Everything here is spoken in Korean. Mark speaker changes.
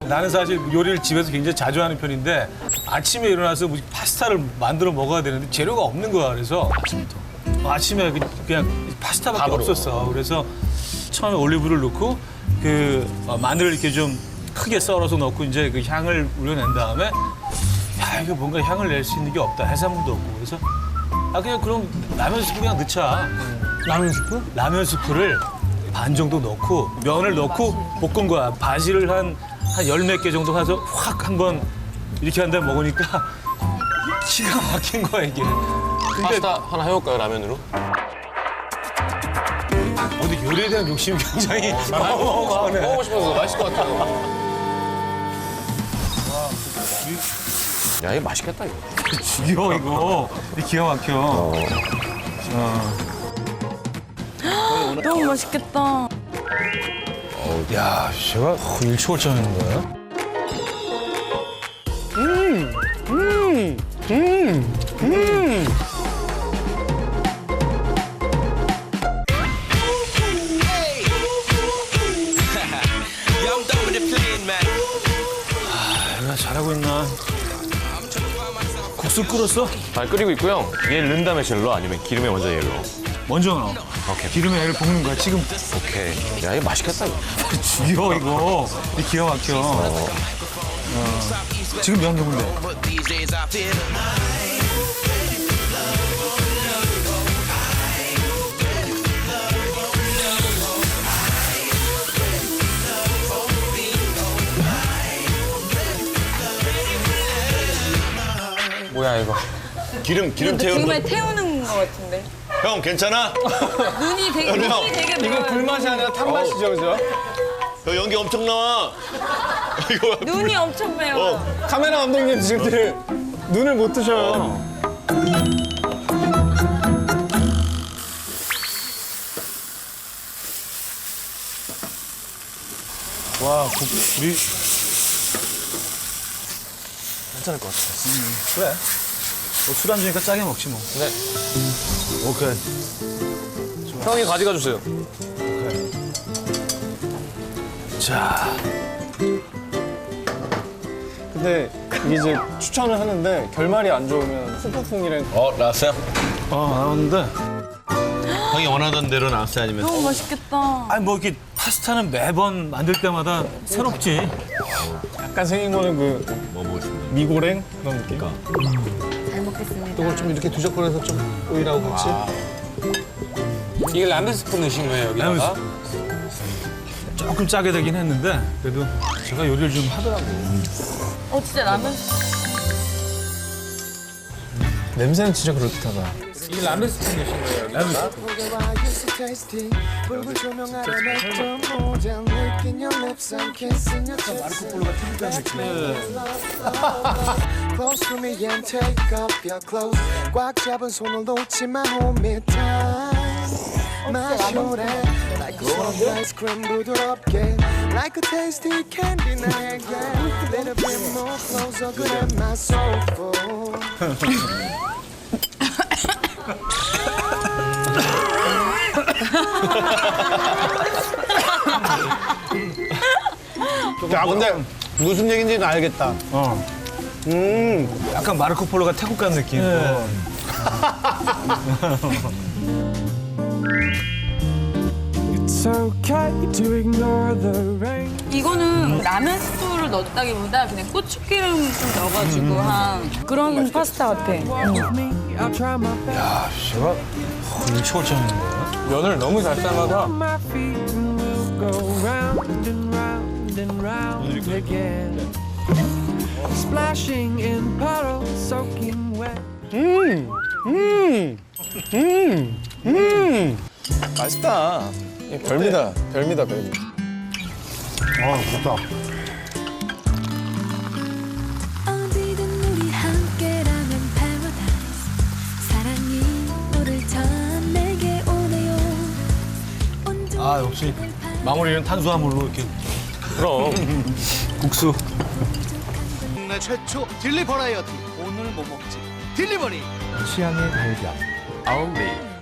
Speaker 1: 나는 사실 요리를 집에서 굉장히 자주 하는 편인데 아침에 일어나서 뭐 파스타를 만들어 먹어야 되는데 재료가 없는 거야. 그래서 아침에 그냥 파스타밖에 없었어. 그래서 처음에 올리브를 넣고 마늘을 이렇게 좀 크게 썰어서 넣고 이제 그 향을 우려낸 다음에 야 이거 뭔가 향을 낼 수 있는 게 없다. 해산물도 없고 그래서 그냥 그럼 라면 스프 그냥 넣자.
Speaker 2: 라면 스프?
Speaker 1: 라면 스프를 반 정도 넣고 면을 넣고 볶은 거야. 바질을 한 열 몇 개 정도 해서 확 한번 이렇게 한 다음에 먹으니까 기가 막힌 거야 이게. 근데
Speaker 3: 파스타 하나 해볼까요, 라면으로?
Speaker 1: 어디 요리에 대한 욕심이 굉장히 어마어마하네.
Speaker 3: 먹고 싶어서 맛있을 것 같아요. 야, 이거 맛있겠다, 이거.
Speaker 1: 죽여 이거. 기가 막혀.
Speaker 4: 너무 맛있겠다.
Speaker 1: 야, 제가 일초월장하는 거야? 내가 잘하고 있나? 국수 끓었어?
Speaker 3: 잘 끓이고 있고요. 얘를 넣은 다음에 젤로 아니면 기름에 먼저 얘를 넣어.
Speaker 1: 먼저 넣어.
Speaker 3: 오케이.
Speaker 1: 기름에 애를 볶는 거야, 지금.
Speaker 3: 오케이. 야, 이거 맛있겠다, 이거.
Speaker 1: 죽여, 이거. 기가 막혀. 지금 면 넣으면 돼.
Speaker 3: 뭐야, 이거.
Speaker 5: 기름
Speaker 4: 지금에
Speaker 5: 태우는
Speaker 4: 태우는 것 같은데.
Speaker 5: 형 괜찮아?
Speaker 4: 눈이 되게
Speaker 2: 이거 불맛이 아니라 탄맛이죠, 그죠?
Speaker 5: 형 연기 엄청 나와. 이거
Speaker 4: 눈이 엄청 매워.
Speaker 2: 카메라 감독님 지금 눈을 못 뜨셔요.
Speaker 1: 와, 우리
Speaker 3: 괜찮을 것 같아.
Speaker 1: 그래. 뭐 술안주니까 짜게 먹지 뭐.
Speaker 3: 네.
Speaker 1: 오케이.
Speaker 3: 형이 가져가 주세요.
Speaker 1: 자,
Speaker 2: 근데 이제 추천을 하는데 결말이 안 좋으면 후폭풍이랑
Speaker 5: 나왔어요?
Speaker 1: 나왔는데.
Speaker 5: 형이 원하던 대로 나왔어요 아니면?
Speaker 4: 너무 맛있겠다.
Speaker 1: 아니, 뭐 이렇게 파스타는 매번 만들 때마다 새롭지.
Speaker 2: 약간 생긴 거는
Speaker 5: 뭐 먹고 싶은데?
Speaker 2: 미고랭 그런 느낌?
Speaker 4: 잘 먹겠습니다.
Speaker 2: 이걸 좀 이렇게 두적거려서 좀 오일하고 같이.
Speaker 3: 이게 라면 스프 넣으신 거예요, 여기다가?
Speaker 1: 조금 짜게 되긴 했는데 그래도 제가 요리를 좀 하더라고요.
Speaker 4: 진짜 라면.
Speaker 2: 냄새는 진짜 그럴듯하다.
Speaker 1: 이 라면 스프 넣으신 거예요? 라면 스프.
Speaker 6: Close to me and take off your clothes. 꽉 잡은 손을 놓지 마, hold me tight. 마셔래 like a soft ice cream 부드럽게 like a tasty candy 나에게 little bit more closer 그래 my soul
Speaker 2: 야, 근데 무슨 얘기인지는 알겠다.
Speaker 1: 약간 마르코 폴로가 태국 간 느낌.
Speaker 4: 이거는 라면 스프를 넣었다기보다 그냥 고추기름 좀 넣어가지고 한 그런 파스타 같아.
Speaker 1: 야, 제가 일초월장하는 거야?
Speaker 3: 면을 너무 잘 삶아서.
Speaker 2: 맛있다. 별미다, 별미다, 별미.
Speaker 1: 좋다.
Speaker 7: 어디든 우리 함께라면 paradise. 사랑이 너를 전 내게 오네요.
Speaker 1: 역시 마무리는 탄수화물로 이렇게
Speaker 3: 그럼.
Speaker 1: 국수.
Speaker 6: 국내 최초 딜리 버라이어티 오늘 뭐 먹지 딜리버리
Speaker 2: 취향의 발견.
Speaker 3: 아울리.